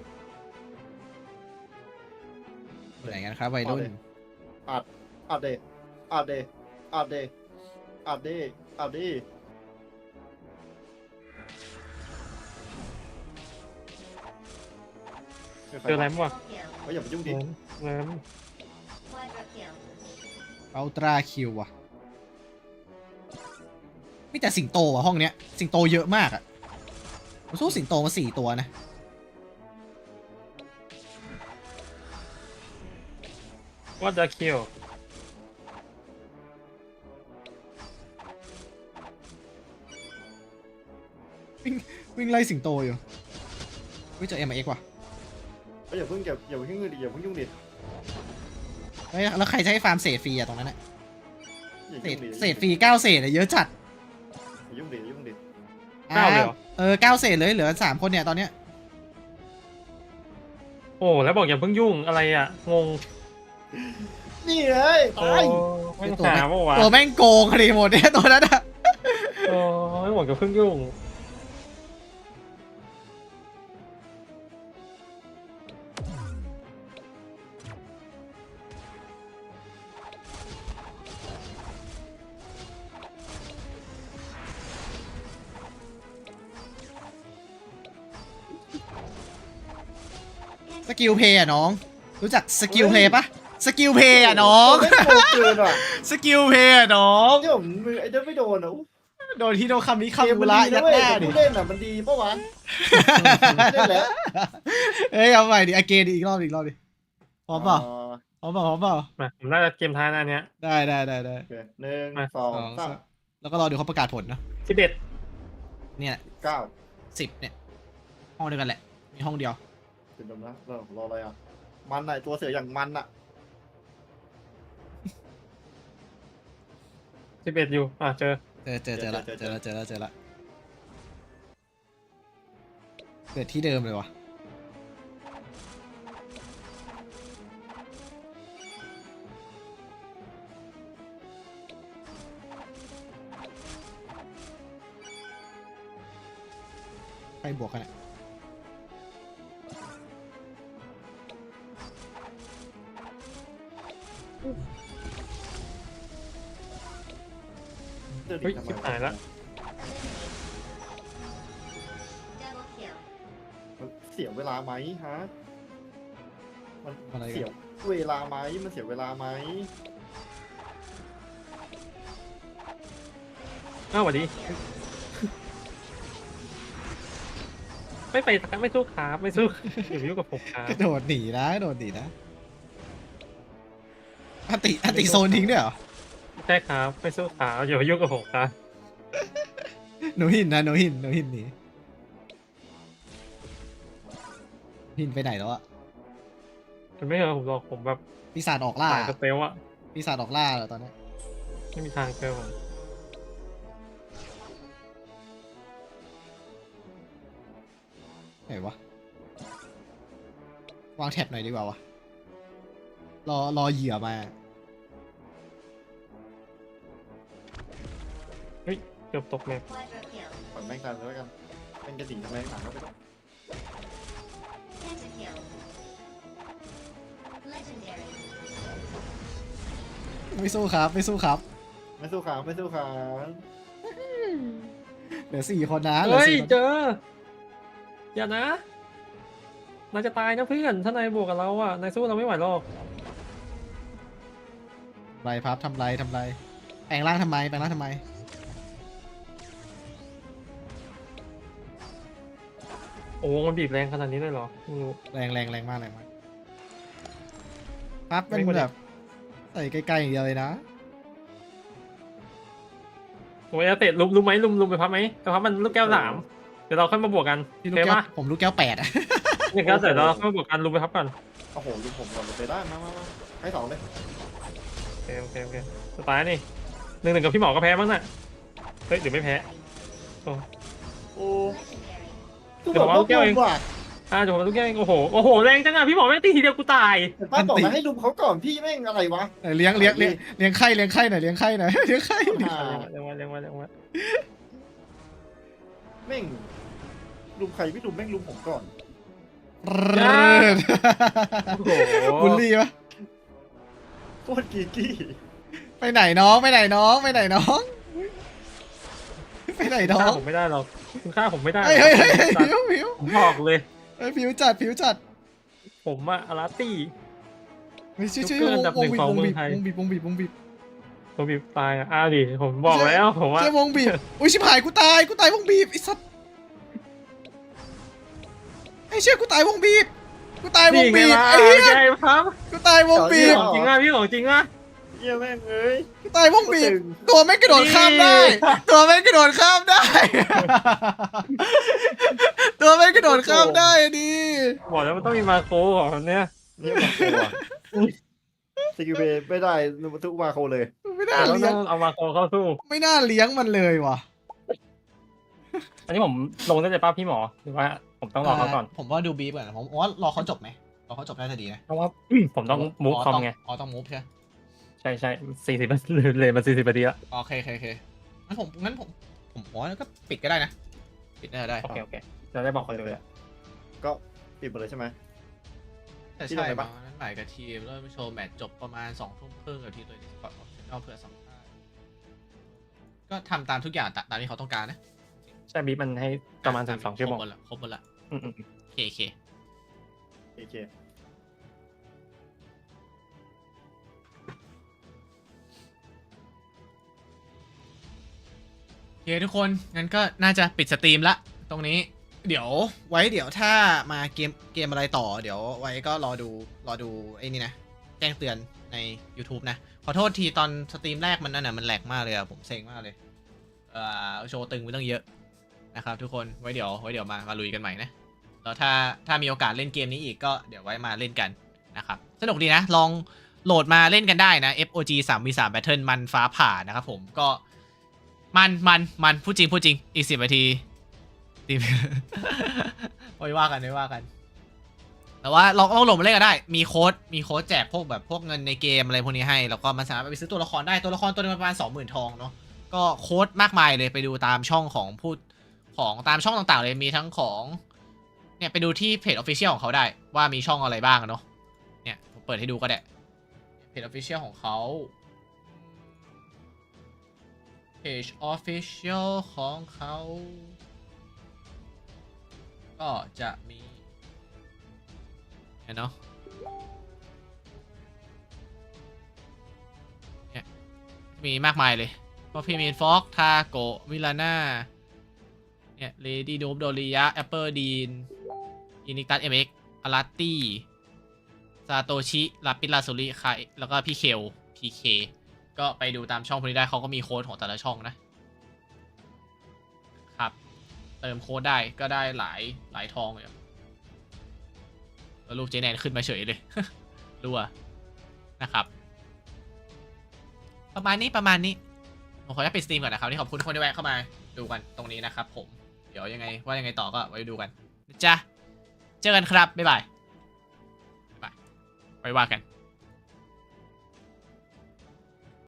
[SPEAKER 1] ไหนกันครับวัยรุ่น
[SPEAKER 3] อัดอัดเดอัดเดอัดเดอัดเดอัดเด
[SPEAKER 2] เจออะไรมั้งวะ
[SPEAKER 3] เฮ้ยอย่าไปยุ่งดิ
[SPEAKER 2] น้ำ
[SPEAKER 1] อัลตราคิวอะมีแต่สิงโตอะห้องเนี้ย สิงโตเยอะมากอะผมสู้สิงโตมาสี่ตัวนะ
[SPEAKER 2] ว่าจะคิว
[SPEAKER 1] วิ่งวิ่งไล่สิงโตอยู่วิ่งเจอเอ็มเอ็กว่ะ
[SPEAKER 3] ก็อย่าเพิ่งอย่าอย่าเพิ่งดิอย่าเพิ่งยุ่งดิ
[SPEAKER 1] เฮ้ยแล้วใครจะให้ฟาร์มเศษฟรีอะตรงนั้นอะ
[SPEAKER 3] อย่า
[SPEAKER 1] เศ
[SPEAKER 3] ยุ่
[SPEAKER 1] ษ
[SPEAKER 3] งดิ
[SPEAKER 1] เศษฟรีเก้าเศษอะเยอะจัด
[SPEAKER 3] อย่ายุ่งดิอย่ายุ่งดิ
[SPEAKER 2] เก้าเลยเหรอ
[SPEAKER 1] เออเก้าเศษเลยเหลือสามคนเนี่ยตอนเนี้ย
[SPEAKER 2] โอ้แล้วบอกอย่าเพิ่งยุ่งอะไรอ่ะงง
[SPEAKER 3] นี่เลย
[SPEAKER 2] โอ้
[SPEAKER 3] ตาย
[SPEAKER 2] ไม่หาเมื่อวาน
[SPEAKER 1] ตัวแม่งโกงคดีหมดเนี่ยตัวนั้นอะ
[SPEAKER 2] โอ้ไม่บอกอย่าเพิ่งยุ่ง
[SPEAKER 1] สกิลเพย์อะน้อง รู้จักสกิลเพย์ปะสกิลเพย์อะน้อง
[SPEAKER 3] ไม่โกงเกินว่ะ
[SPEAKER 1] สกิลเพย์อะน้อง
[SPEAKER 3] ที่ผมมือไอ้เจ้าไม่โดนอ่ะอุ๊ย
[SPEAKER 1] โดนที่โดนคำนี้
[SPEAKER 3] เกม
[SPEAKER 1] คำ
[SPEAKER 3] มั
[SPEAKER 1] บุ
[SPEAKER 3] น
[SPEAKER 1] ระ
[SPEAKER 3] ดี
[SPEAKER 1] ยั
[SPEAKER 3] นะ
[SPEAKER 1] ด
[SPEAKER 3] เว้
[SPEAKER 1] ห
[SPEAKER 3] ย
[SPEAKER 1] น้า
[SPEAKER 3] แต่
[SPEAKER 1] ดิ
[SPEAKER 3] ผู้เล่นอ่ะมันดีปะวะเล่นแล้ว
[SPEAKER 1] เอ้ยเอาใหม่ดิอเกนอีกรอบอีกรอบดิพร้อมเปล่า
[SPEAKER 3] อ๋อ
[SPEAKER 1] พร้อมเปล่าพร้อมเปล่า
[SPEAKER 2] มาผมน่าจะเกมท้ายหน้าเนี้ย
[SPEAKER 1] ได้ได้ได้ได้
[SPEAKER 3] โอเคหนึ่ง
[SPEAKER 2] มา
[SPEAKER 3] สอง
[SPEAKER 1] สอง
[SPEAKER 3] สาม
[SPEAKER 1] สามแล้วก็รอดูเขาประกาศผลนะ
[SPEAKER 2] สิบเอ็ด
[SPEAKER 1] เนี่ย
[SPEAKER 3] เก้า
[SPEAKER 1] สิบเนี่ยห้องเดียวกันแหละมีห้องเดียว
[SPEAKER 3] ถึงดมนะรอรออะไรอ่ะมันอ่ะตัวเสืออย่างมันอ่ะ
[SPEAKER 2] สิบเอ็ดอยู่อ่ะเจอ
[SPEAKER 1] เจอเจอเจอละเจอละเจอละเจอละเกิดที่เดิมเลยวะไปบวกกันอะ
[SPEAKER 3] เดิน
[SPEAKER 2] เฮ้ย
[SPEAKER 3] ทำไม
[SPEAKER 2] ชิบหายละ
[SPEAKER 3] มันเสียเวลาไหมฮะมัน
[SPEAKER 1] อะไรกั
[SPEAKER 3] เสีย
[SPEAKER 1] น
[SPEAKER 3] เวลาไหมมันเสียเวลาไหม
[SPEAKER 2] อ้าวสวัสดีไม่ไปไม่สู้ครับไม่สู้อย่าไปยุ่งกับผมครับ
[SPEAKER 1] กระโดดหนีนะกระโดดหนีนะอันติอันติโซนทิ้งด้วยเหรอ
[SPEAKER 2] ใช่ครับไม่สู้ครับอย่าไปยุ่งกับผมครับ
[SPEAKER 1] หนูหินนะหนูหินหนูหินหนีหินไปไหนแล้วอะ
[SPEAKER 2] มันไม่เหรอผมหรอกผมแบบ
[SPEAKER 1] ปีศาจออกล่า
[SPEAKER 2] สายสเตลอะ
[SPEAKER 1] ปีศาจออกล่าเหรอตอนนี้
[SPEAKER 2] ไม่มีทางเจอผม
[SPEAKER 1] ไหนวะวางแท็บหน่อยดีกว่าวะรอรอเหยื่อมา
[SPEAKER 2] เฮ้ยเกือบตกแมป
[SPEAKER 3] ปล่อยแม่งตายเลยแล้วกันแม่งจะหนีทำไมหนังก็ไปก่อน
[SPEAKER 1] ไม่สู้ครับไม่สู้ครับ
[SPEAKER 3] ไม่สู้ขาไม่สู้ขา
[SPEAKER 1] เหลือสี่คนนะเหลือ
[SPEAKER 2] เฮ้ย
[SPEAKER 1] สี่คน
[SPEAKER 2] เจออย่านะนายจะตายนะเพื่อนถ้านายบวกกับเราอะนายสู้เราไม่ไหวหรอก
[SPEAKER 1] ทำไรพับทำไรทำไรแปลงร่างทำไมแปลงร่างทำไม
[SPEAKER 2] โอ้มันบีบแรงขนาดนี้เลยเหรอไม่รู้
[SPEAKER 1] แรงแรงแรงมากแรงมากพับมัน
[SPEAKER 2] ไม่ควร
[SPEAKER 1] แบบใส่ใกล้ๆอย่างเดียวเลยนะ
[SPEAKER 2] โอ้ยอาเตะลุมลุมไหมลุมลุมไปพับไหมแต่พับมันลูกแก้วสามเดี๋ยวเราค่อยมาบวกกัน
[SPEAKER 1] พี่ลูก
[SPEAKER 2] เท
[SPEAKER 1] แก้ว
[SPEAKER 2] ปะ
[SPEAKER 1] ผมลูกแก้วแปดอะ
[SPEAKER 2] หนึ่งแก้วเสร็จแล้วเราค่อยมาบวกกันลุมไปพับก่อน
[SPEAKER 3] โอ้โหลุงผมก่อนเลยไปได้มามามาให้สองเลย
[SPEAKER 2] โอเคโอเคโอเคสไตล์นี่หนึ่งหนึ่งกับพี่หมอก็แพ้มั้งน่ะเฮ้ยหรือไม่แพ้
[SPEAKER 3] โอ้
[SPEAKER 2] เดี๋ยวผมเอาลูกแก้วเอง
[SPEAKER 3] ว่ะ
[SPEAKER 2] อ่าเดี๋ยวผมมาลูกแก้วเองโอ้โหโอ้โหแรงจังอะพี่หมอแม่งตีทีเดียวกูตาย
[SPEAKER 3] แต่ป้าบอกมาให้ลุมเขาก่อนพี่แม่งอะไรวะ
[SPEAKER 1] เออเลี้ยงเลี้ยงเลี้ยงเลี้ยงไข่เลี้ยงไข่หน่อยเลี้ยงไข่หน่อยเลี้ยงไข่
[SPEAKER 3] อ่า
[SPEAKER 2] เร็วมาเร็วมาเร็วมา
[SPEAKER 3] แม่งลุมใครไม่ลุมแม่งลุมผมก่อน
[SPEAKER 2] โอ้โห
[SPEAKER 1] บุลลี่ปะ
[SPEAKER 3] โคตรกีกี้
[SPEAKER 1] ไปไหนน้องไปไหนน้องไปไหนน้องไปไหนน้อ
[SPEAKER 2] ฆ่าง ผมไม่ได้หรอกคุณฆ่าผมไม่ได้หรอก
[SPEAKER 1] เฮ้ยเฮ้ยเฮ้ยเฮ้ยผิวผิว
[SPEAKER 2] ผมบอกเลย
[SPEAKER 1] เฮ้ยผิวจัดผิวจัด
[SPEAKER 2] ผมอะอาราตี้
[SPEAKER 1] เฮ้ยชื่อชื่อ
[SPEAKER 2] ยกเลิกอันดับหนึ่งของเมืองไทย
[SPEAKER 1] วงบีบวงบีบวงบีบ
[SPEAKER 2] ผมบีบตายอะอ้าวดิผมบอกแล้วผมว่า
[SPEAKER 1] เชื่อวงบีบอุ้ยชิบหายกูตายกูตายวงบีบไอ้สัสอ้เชี่ยกูตายวงบีบกูตายวง
[SPEAKER 2] นี่ไง
[SPEAKER 1] บีบ
[SPEAKER 2] ล่ะ
[SPEAKER 1] ไอ้เหี้ย
[SPEAKER 2] ใช่ครับ
[SPEAKER 1] กูตายวงบีบ
[SPEAKER 2] ของจริงอ่ะพี่ของจริงอ่ะ
[SPEAKER 3] เยี่ยแม่งเอ้ย
[SPEAKER 1] กูตายวงบีบ
[SPEAKER 3] ตึง
[SPEAKER 1] ตัวไม่งกระโดดข้ามได้ ตัวไม่งกระโดดข้ามได้ ตัวไม่งกระโดดข้ามได้อะดิ
[SPEAKER 2] บอกแล้วมันต้องมีมาโคของมันเนี่ย
[SPEAKER 3] เนี่ยมาโคอ่ะสกิลเบย์ไม่ได้ทุกมาโคเลย
[SPEAKER 1] ไม่น่า
[SPEAKER 2] เรา
[SPEAKER 1] เลี้
[SPEAKER 2] ต้
[SPEAKER 1] ย
[SPEAKER 2] อง งเอามาโคเข้าสู้
[SPEAKER 1] ไม่น่าเลี้ยงมันเลยว่ะ
[SPEAKER 2] อันนี้ผมลงได้เลยป้าพี่หมอหรือว่าผมต้องรอเขาก่อน
[SPEAKER 1] ผมว่าดูบีบก่อนผมว่ารอเขาจบไหมรอเขาจบน่าจะดีนะ
[SPEAKER 2] เพราะว่าผมต้องมูฟคอมไง
[SPEAKER 1] อ๋อต้องมูฟใช่
[SPEAKER 2] ใช่ใช่สี่สิบเลยมาสี่สิบนาทีละ
[SPEAKER 1] โอเคโอเคโอเคงั้นผมงั้นผมผมผมว่าก็ปิดก็ได้นะ ปิดน่าจะได้
[SPEAKER 2] โอเคโอเคเราได้บอกคนเลยอะ
[SPEAKER 3] ก็ปิดหมดเลยใช่ไหม
[SPEAKER 1] แต่
[SPEAKER 3] ที่
[SPEAKER 1] ใช่
[SPEAKER 3] ไหน
[SPEAKER 1] ปะ
[SPEAKER 3] ปะ
[SPEAKER 1] นั้นหมายกับทีมเริ่มโชว์แมตช์จบประมาณสองทุ่มครึ่งกับทีมตัวนี้ก่อนเอาเผื่อสัมภาษณ์ก็ทำตามทุกอย่างตามที่เขาต้องการนะ
[SPEAKER 2] ใช่บีบมันให้ประมาณสิบสองชั่วโมง
[SPEAKER 1] ครบหมดละครบหมดละ
[SPEAKER 2] อืมอืม
[SPEAKER 1] โอเคโอเค
[SPEAKER 3] โอเค
[SPEAKER 1] โอเคทุกคนงั้นก็น่าจะปิดสตรีมละตรงนี้เดี๋ยวไว้เดี๋ยวถ้ามาเกมเกมอะไรต่อเดี๋ยวไว้ก็รอดูรอดูไอ้นี่นะแจ้งเตือนใน YouTube นะขอโทษทีตอนสตรีมแรกมันนั่นน่ะมันแหลกมากเลยอะผมเซ็งมากเลยเอ่อโชว์ตึงไปตั้งเยอะนะครับทุกคนไว้เดี๋ยวไว้เดี๋ยวมามาลุยกันใหม่นะแล้วถ้าถ้ามีโอกาสเล่นเกมนี้อีกก็เดี๋ยวไว้มาเล่นกันนะครับสนุกดีนะลองโหลดมาเล่นกันได้นะ เอฟ โอ จี สาม วี สาม Battle มันฟ้าผ่านะครับผมก็มันมันมันพูดจริงพูดจริงอีกสิบนาทีสิบ ไว้ว่ากันไว้ว่ากันแต่ว่าลองลองโหลดมาเล่นก็ได้มีโค้ดมีโค้ดแจกพวกแบบพวกเงินในเกมอะไรพวกนี้ให้แล้วก็มันสามารถไปซื้อตัวละครได้ตัวละครตัวนึงประมาณ สองหมื่น ทองเนาะก็โค้ดมากมายเลยไปดูตามช่องของพูดของตามช่องต่างๆเลยมีทั้งของเนี่ยไปดูที่เพจ Official ของเขาได้ว่ามีช่องอะไรบ้างเนาะเนี่ยผมเปิดให้ดูก็ได้เพจ Official ของเขาเพจ Official ของเขาก็จะมีเนาะเนี่ยมีมากมายเลยพวกพี่มีนฟ็อกทาโกะมิลาน่าเนี่ยเลดี้นูบโดริยะแอปเปิลดีนอินิตัสเอ็มเอ็กอาราตี้ซาโตชิลาปิลาสุริคาแล้วก็พี่เคลพีเคก็ไปดูตามช่องพวกนี้ได้เขาก็มีโค้ดของแต่ละช่องนะครับเติมโค้ดได้ก็ได้หลายหลายทองเลยแล้วรูปเจแนนขึ้นมาเฉยเลย รัวนะครับ ประมาณนี้ประมาณนี้ผมขออนุญาตปิดสตรีมก่อนนะครับที่ขอบคุณทุกคนที่แวะเข้ามาดูกันตรงนี้นะครับผมเดี๋ยวยังไงว่ายังไงต่อก็ไว้ดูกันนะจ๊ะเจอกันครับบ๊ายบายบ๊ายบายไว้ว่ากัน